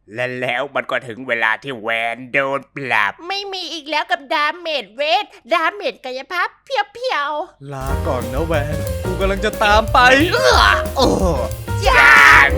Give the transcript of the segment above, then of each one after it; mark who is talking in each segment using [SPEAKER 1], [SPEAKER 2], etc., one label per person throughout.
[SPEAKER 1] และแล้วมันก็ถึงเวลาที่แวนโดนปรับ
[SPEAKER 2] ไม่มีอีกแล้วกับดาเมจเวทดาเมจกายภาพเพียว
[SPEAKER 3] ลาก่อนนะแวนกูกำลังจะตามไปโอ้
[SPEAKER 2] ๆจ้างู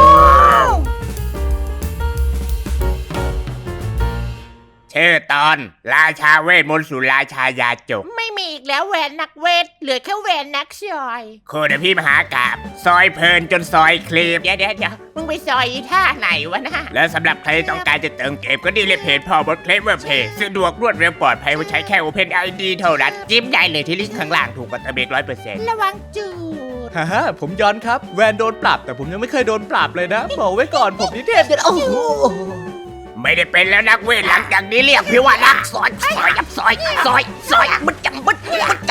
[SPEAKER 1] ชื่อตอนราชาเวทมนต์สู่ราชายาจก
[SPEAKER 2] ไม่มีอีกแล้วแวนนักเวทเหลือแค่แวนนักซอย
[SPEAKER 1] โคดพี่มหากาบซอยเพลินจนซอยคลีบ
[SPEAKER 2] เดี๋ยวมึงไปซอยท่าไหนวะนะ
[SPEAKER 1] และสำหรับใครต้องการจะเติมเกมก็ดีเลยเพจพอบดเคลมเว็บเพจสะดวกรวดเร็วปลอดภัยใช้แค่ Open ID เท่านั้นจิ้มได้เลยที่ลิงก์ข้างล่างถูกกว่าตะเบก100%
[SPEAKER 2] ระวังจูด
[SPEAKER 3] ฮ่าผมย้อนครับแวนโดนปรับแต่ผมยังไม่เคยโดนปรับเลยนะบอกไว้ก่อนผมนิเทพจะโอ้โห
[SPEAKER 1] ไม่ได้เป็นแล้วนักเวทหลังจากนี้เรียกพี่ว่านักซอยมึดจังมึด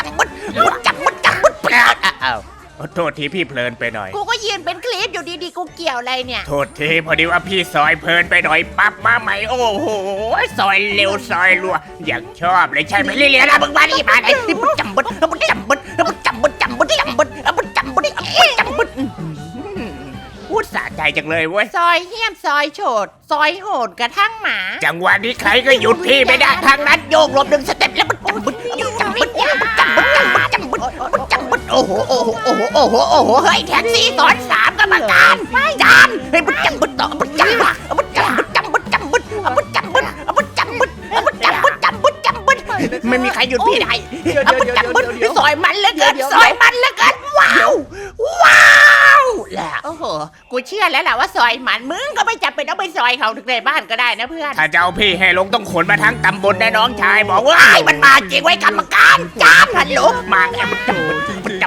[SPEAKER 1] อ้าวโทษทีพี่เพลินไปหน่อย
[SPEAKER 2] กูก็ยืนเป็นคลิปอยู่ดีๆกูเกี่ยวอะไรเนี่ย
[SPEAKER 1] โทษทีพอดีว่าพี่ซอยเพลินไปหน่อยปั๊บมาใหม่โอ้โหซอยเร็วซอยรัวอยากชอบเลยใช่ไหมเรียนนะมึงมาดิมาไหนมึดจังมึดพูดสะใจจังเลยเว้ย
[SPEAKER 2] ซอยเหี้ยมซอยโฉดซอยโหดกระทั่งหมา
[SPEAKER 1] จังหวะนี้ใครก็หยุดพี่ไม่ได้ทางนั้นโยกหลบ1 สเต็ปแล้วมันโอ้โหเฮ้ยแท็กซี่สอน3กรรมการจานเฮ้ยมันจังบึดต่อมันจังไม่มีใครหยุดพี่ได้ซอยมันเหลือเกินว้าวแล้ว
[SPEAKER 2] โอ้โหกูเชื่อแล้วแหละว่าซอยมันมึงก็ไม่จำเป็นต้องไปซอยเขาถึงในบ้านก็ได้นะเพื่อน
[SPEAKER 1] ถ้าเจ้าพี่ให้ลงต้องขนมาทั้งตำบลนะน้องชายบอกว่าไอ้มันมาจริงไว้กรรมการจานฮัลโหลมาไอ้มันจำบึด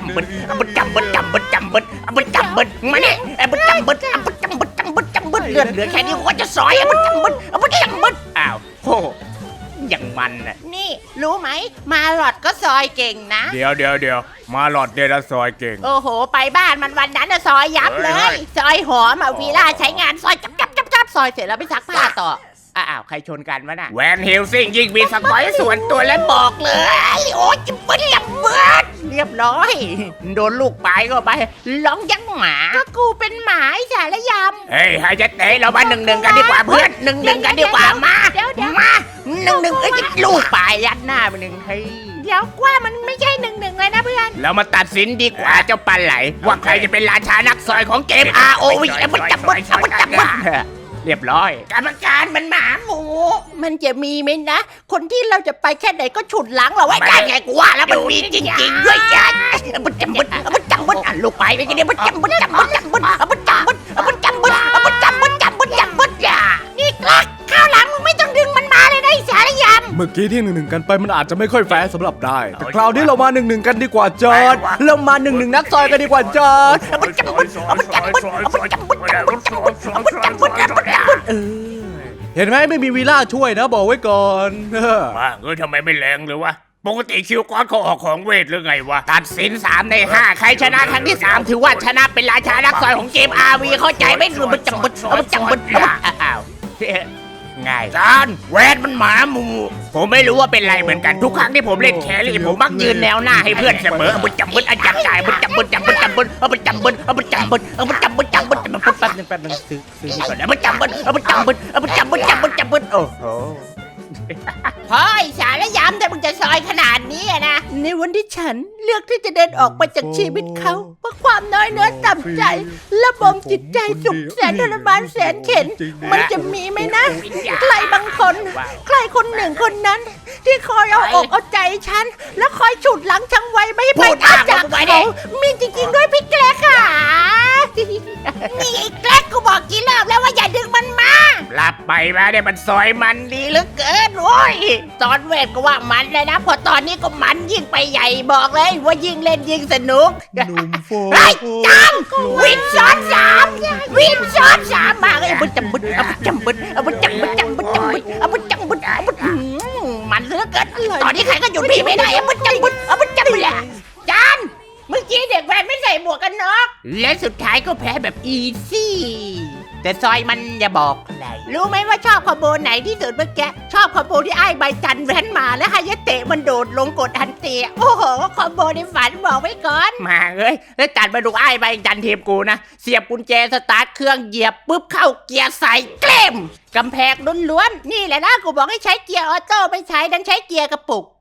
[SPEAKER 1] มาเนี่ยไอ้มันจำบึดเลือดเหลือแค่นี้ก็จะซอยไอ้มันจำบึดอ้าวโหอย่างมันน่ะ
[SPEAKER 2] นี่รู้ไหมมาหลอดก็ซอยเก่งนะ
[SPEAKER 1] เดี๋ยวมาหลอดเดลซอยเก่ง
[SPEAKER 2] โอ้โหไปบ้านมันวันนั้นน่ะซอยยับเลย ซอยหอมอ่ะวีล่าใช้งานซอยจับซอยเสร็จแล้วไปซักผ้าต่ออ้าวใครชนกันวะน่ะ
[SPEAKER 1] แวนฮิลซิงยิงมีสกอยส่วนตัวและบอกเลยโอ้ยจับบึด
[SPEAKER 2] เรียบร้อย
[SPEAKER 1] โดนลูกปลายเข้าไป
[SPEAKER 2] ร้องยังหมาก็กูเป็นหมาไอ้สารยำ
[SPEAKER 1] เฮ้ยให้จะเตะเรามา1-1กันดีกว่าเพื่อน1-1กันดีกว่ามามา1-1เอ้ยลูกปลายยัดหน้าไปหนึ่งเฮ้ย
[SPEAKER 2] เดี๋ยวกว่ามันไม่ใช่1-1เลยนะเพื่อน
[SPEAKER 1] เรามาตัดสินดีกว่าเจ้าปลาไหลว่าใครจะเป็นราชานักซอยของเกม ROV มันจับบึดเรียบร้อยกรรมการมันหมาหมู
[SPEAKER 2] มันจะมีไหมนะ คนที่เราจะไปแค่ไหนก็ฉุดหลังเราไว้
[SPEAKER 1] ได้ไงกูว่าแล้วมันมีจริงๆด้วยจ้ะมันจับบึดลูกปลายไปกันเดียวมันจับบึดจ้ะ
[SPEAKER 2] นี่กลักข้าวหลังมึงไม่ต้องดึงมันมาเลยนะไอ้สารยำ
[SPEAKER 3] เมื่อกี้ที่1-1กันไปมันอาจจะไม่ค่อยแฟร์สำหรับได้แต่คราวนี้เรามา1-1กันดีกว่าจอร์ดเรามา1-1นักซอยกันดีกว่าจอร์ดเห็นไหมไม่มีวีล่าช่วยนะบอกไว้ก่อน
[SPEAKER 1] มาทำไมไม่แรงเลยวะปกติคิวก้อนเขาออกของเวทหรือไงวะตัดสิน3 ใน 5ใครชนะครั้งที่3ถือว่าชนะเป็นราชานักซอยของเกม RV เข้าใจไหมหรือมันจับบึดอ้าวง่ายจานแวนมันหมาหมูผมไม่รู้ว่าเป็นไรเหมือนกันทุกครั้งที่ผมเล่นแครี่ผมมักยืนแนวหน้าให้เพื่อนเสมอบึดจับบึดจับจ่ายบึดจับบึดแป๊บนึงซื้อก่อนนะบึดจับบึดโอ้โห
[SPEAKER 2] พ่อไอ้สารยำแต่มึงจะซอยขนาดนี้นะในวันที่ฉันเลือกที่จะเดินออกไปจากชีวิตเขาเพราะความน้อยเนื้อต่ำใจและบ่มจิตใจสุขแสนทรมานแสนเข็ญมันจะมีไหมนะใครบางคนใครคนหนึ่งคนนั้น ที่คอยเอาอกเอาใจฉันแล้วคอยฉุดหลังฉันไว้ไม่ให้ไปจากเขามีจริงๆด้วยพี่แกลค่ะนี่ไอ้แกลกูบอกกี่รอบแล้วว่าอย่าดึงมันมา
[SPEAKER 1] หลับไปมาเนี่ยมันซอยมันดีเหลือเกิน
[SPEAKER 2] โอ้ยตอนเวทก็ว่ามันเลยนะพอตอนนี้ก็มันยิ่งไปใหญ่บอกเลยว่ายิ่งเล่นยิ่งสนุกไอ้จังวินซ้อนสามมาเลยมันจำบึดมันเหลือเกินตอนนี้ใครก็หยุดพี่ไม่ได้มันจำบึดแหละจานเมื่อกี้เด็กแวนไม่ใส่หมวกกันน็อกและสุดท้ายก็แพ้แบบอีซี่แต่
[SPEAKER 1] แต่ซอยมันอย่าบอกอะไร
[SPEAKER 2] รู้ไหมว่าชอบคอมโบไหนที่สุดเมื่อกี้ชอบคอมโบที่ไอ้ใบจันแว้นมาแล้วฮายาเตะมันโดดลงกดอันเตียโอ้โหคอมโบในฝันบอกไว้ก่อน
[SPEAKER 1] มาเอ้ยแล้วจัดมาดูไอ้ใบจันทีมกูนะเสียบกุญแจสตาร์ทเครื่องเหยียบปุ๊บเข้าเกียร์ใส่เกลม
[SPEAKER 2] กำแพงล้วนๆนี่แหละนะกูบอกให้ใช้เกียร์ออโต้ไม่ใช้ดันใช้เกียร์กระปุก